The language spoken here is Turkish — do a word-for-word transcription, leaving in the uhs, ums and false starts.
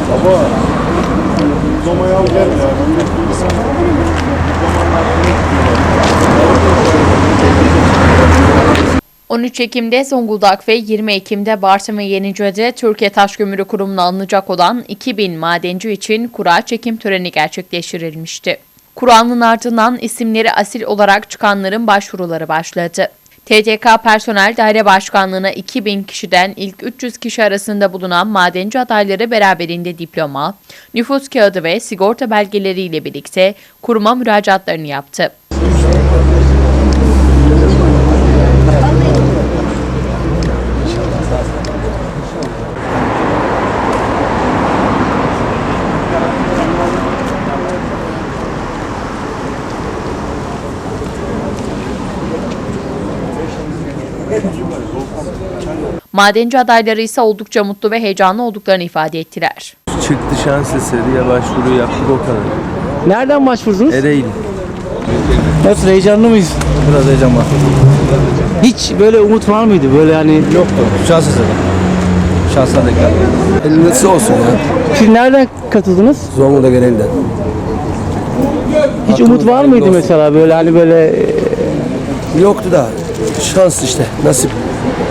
Baba, uzamayı al gel ya. on üç Ekim'de Zonguldak ve yirmi Ekim'de Bartın ve Yenice'de Türkiye Taş Kömürü Kurumu'na alınacak olan iki bin madenci için kura çekim töreni gerçekleştirilmişti. Kuranın ardından isimleri asil olarak çıkanların başvuruları başladı. T D K Personel Daire Başkanlığı'na iki bin kişiden ilk üç yüz kişi arasında bulunan madenci adayları beraberinde diploma, nüfus kağıdı ve sigorta belgeleriyle birlikte kuruma müracaatlarını yaptı. Madenci adayları ise oldukça mutlu ve heyecanlı olduklarını ifade ettiler. Çıktı şans eseri başvuru yaptık o kadar. Nereden başvurdunuz? Ereğli. Nasıl, heyecanlı mıyız? Biraz heyecan var. Hiç böyle umut var mıydı? Böyle hani Yoktu. Şans eseri. Şansına denk geldi. Elbette olsun ya. siz nereden katıldınız? Zonguldak genelinden. Hiç umut var mıydı mesela böyle hani böyle Yoktu da şans işte nasip.